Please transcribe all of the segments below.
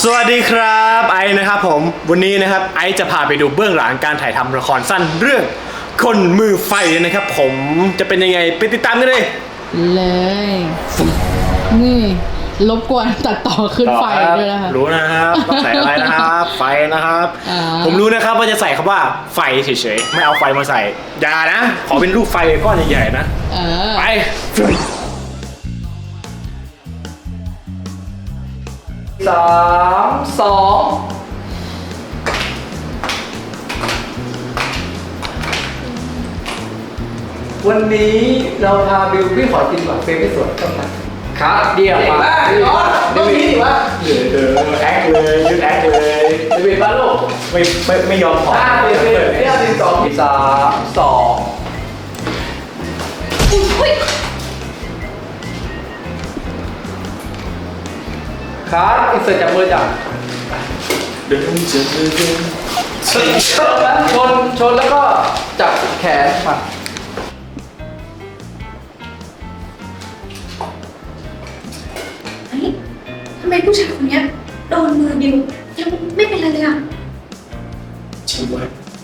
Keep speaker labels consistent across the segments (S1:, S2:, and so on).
S1: สวัสดีครับไอซ์นะครับผมวันนี้นะครับไอซ์จะพาไปดูเบื้องหลังการถ่ายทำละครสั้นเรื่องคนมือไฟนะครับผมจะเป็นยังไงไปติดตามกันเลย
S2: นี่รบกวนตัดต่อขึ้นไฟด้วยนะคะ
S1: รู้นะครับต้องใส่อะไรนะครับไฟนะครับผมรู้นะครับว่าจะใส่คำว่าไฟเฉยๆไม่เอาไฟมาใส่อย่านะขอเป็นรูปไฟก้อนใหญ่ๆนะไป
S3: 3 2วันนี้เราพาบิวพี่ขอกินก่อนเฟรมไม่สวยต้องมาครับเดี๋ยวมาเดวิดวะ
S1: เดี๋ยวแอคเลยยืดแอคเลย
S3: เดวิดมาลูก
S1: ไม่ยอมขอ
S3: เดวิดเนี่ย12 3 2ครับอินเสิร์ตจากมือจับ
S1: เดินเจอเดิน
S3: ชนแล้วก็จับแขนมา
S4: ทำไมผู้ชายคนนี้โดนมือบิวยังไม่เป็นไรเลยอ่ะ
S1: จริงไหม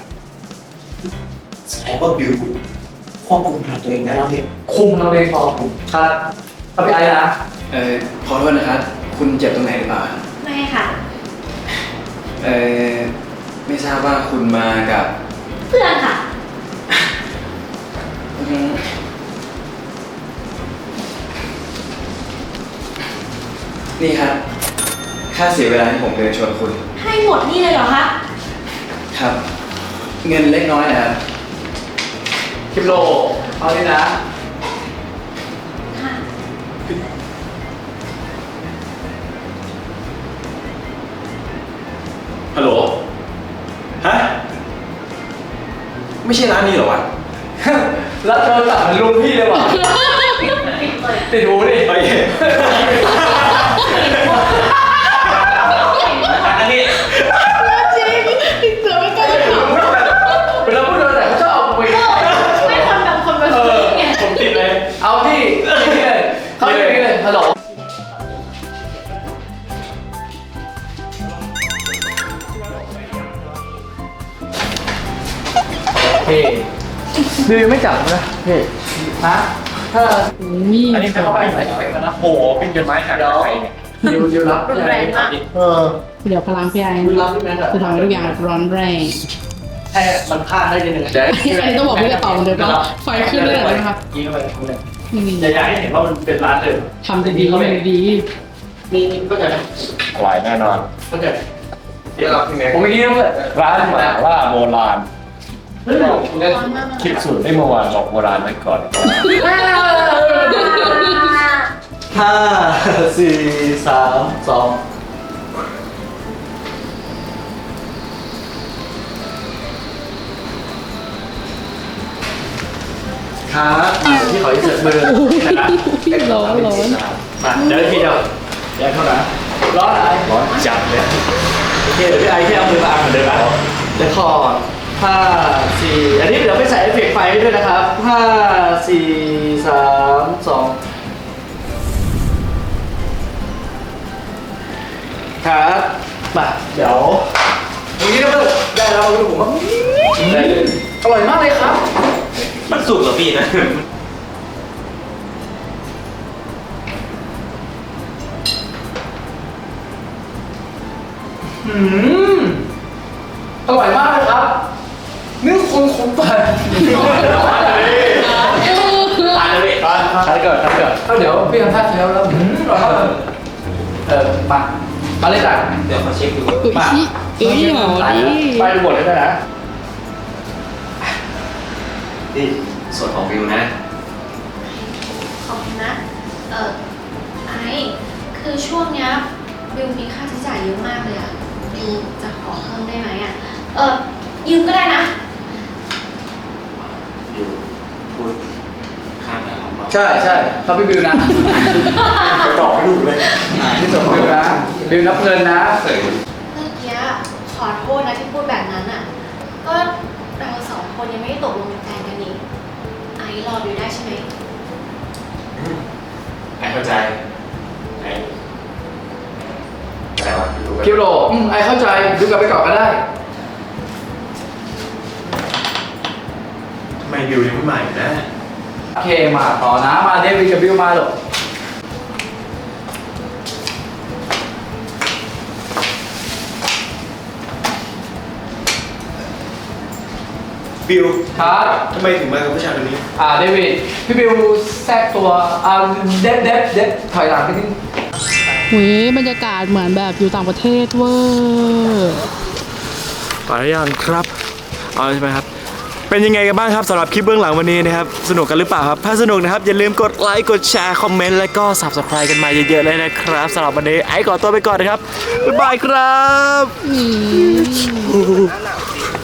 S1: แสดงว่าบิวควบคุมตัวเองได้แล้วเนี่ย
S3: คุมเราเองพอครับเอาไปไอ้นะ
S5: ขอโทษนะครับคุณเจ็บตรงไหนหรือเปล่า
S4: ไม่ค่ะ
S5: ไม่ทราบว่าคุณมากับ
S4: เพื่อนค่ะ
S5: นี่ครับค่าเสียเวลาที่ผมเดินชวนคุณ
S4: ให้หมดนี่เลยเหรอคะ
S5: ครับเงินเล็กน้อยนะครับ
S3: คิมโลเอาเลยนะ
S4: ค่ะ
S1: ฮัลโหลฮะไม่ใช่ร้านนี้เหรอวะ
S3: แล้วโทรศัพท์มันลุงพี่เลยว่ะติดหูดิ
S1: ไปอันนี้
S2: จริงเสือไม่กล้าถาม
S3: เวลาพูดโดนแต่เขาชอบเอาไป
S4: ไม่คนแบบคนแบบนี้ไง
S1: ผมติดเลย
S3: เอาที่นี่เลยเขาอย่างนี้เลยฮัลโหลเฮ้บิวยังไม่จับนะเฮ้ฮะถ้า
S1: อันนี้เข้าไปไหนกันนะโอ้โหเป็นจดหมายหา
S3: เดี๋ยวรับ
S4: แรงมาก
S2: เดี๋ยวพลังพี่ไอ้จะทำให้ทุกอย่างร้อนแรง
S3: ให้มันพลาดได้ยังไง
S2: อันนี้ต้องบอกพี่จะตอบเดิมว่าไฟขึ้นเลยนะครับ
S1: ยิงเข้าไปอย่าอยากให้เห็นว่ามันเป็นร้านเดิม
S2: ทำดีเขาเป็นดี
S3: มีก็จะ
S1: อร่อยแน่นอน
S3: ก็จะเดี๋ยวเราผมไม่คิดด้วย
S1: ร้านหมาล่าโบราณคิดสูตรได้เมื่อวานบอกโบราณไว้ก่อน
S3: 5 4 3 2ครับที่ขออินเสิร์ตมือ
S2: ร้อน
S1: มาเดี๋ยวพี่เดียวแยกเท่าไหร่
S3: ร้อนอะไร
S1: ร้อนจัดเลย
S3: โอเคเดี๋ยวพี่ไอ้ที่เอามือมาอ่านเหมือนเดิมนะเดี๋ยวคอร์ด5 4อันนี้เดี๋ยวไปใส่เอฟเฟกต์ไฟด้วยนะครับ5 4 3 2ครับมาเดี๋ยววันนี้ก็ได้แล้วมาดูผมว่าได้เลยอร่อยมากเลยครับ
S1: มันสุกเหรอพี่นะ
S3: อร่อยมากเลยครับนี่คนปั่น
S1: ทานเลย
S3: ทานก่อนเดี๋ยวพี่ทำท่าเชฟแล้วมาเลยจ้ะ
S1: เดี๋ยวขอเช็คดู
S2: มาหอดี
S3: ไปดูบทเลยนะ
S1: นี่ส่วนของวิวนะ
S4: ขอบคุณนะไอ้คือช่วงเนี้ยบิวมีค่าใช้จ่ายเยอะมากเลยอ่ะบิวจะขอเพิ่มได้ไหมอ่ะยืมก็ได้นะ
S1: บิวพูดข้ามแล้ว
S3: ใช่เขาพี่บิวนะ
S1: ไปตอบให้ดูเลย
S3: ที่ส่งบิวนะบิวนับเงินนะ
S4: เมื่อกี้ขอโทษนะที่พูดแบบนั้นอ่ะก็เรา2 คนยังไม่ได้ตกลงเป็นแฟนกันนี่ไอ้รอบิวได้ใช่ไหม
S1: ไอ้เข้าใจไอ้
S5: ไหนวะ
S3: คิวโรไอเข้าใจดูกลับไปก่อนก็ได้
S1: ทำไมบิวยังไม่มาอีกนะ
S3: โอเคมาต่อนะมาเดวิดกับบิวมาหรอ
S1: บิว
S3: ครับ
S1: ทำไมถึงมากับผู้ชายคนนี้
S3: เดวิดพี่บิวแทรกตัวเด็ดถอยหลังไปนิด
S2: หุยบรรยากาศเหมือนแบบอยู่ต่างประเทศเวอร์
S1: ไปหรือยังครับเอาใช่ไหมครับ เป็นยังไงกันบ้างครับสำหรับคลิปเบื้องหลังวันนี้นะครับสนุกกันหรือเปล่าครับถ้าสนุกนะครับอย่าลืมกดไลค์กดแชร์คอมเมนต์และก็ Subscribe กันมาเยอะๆเลยนะครับสำหรับวันนี้ไอ้ขอตัวไปก่อนนะครับบ๊ายบายครับ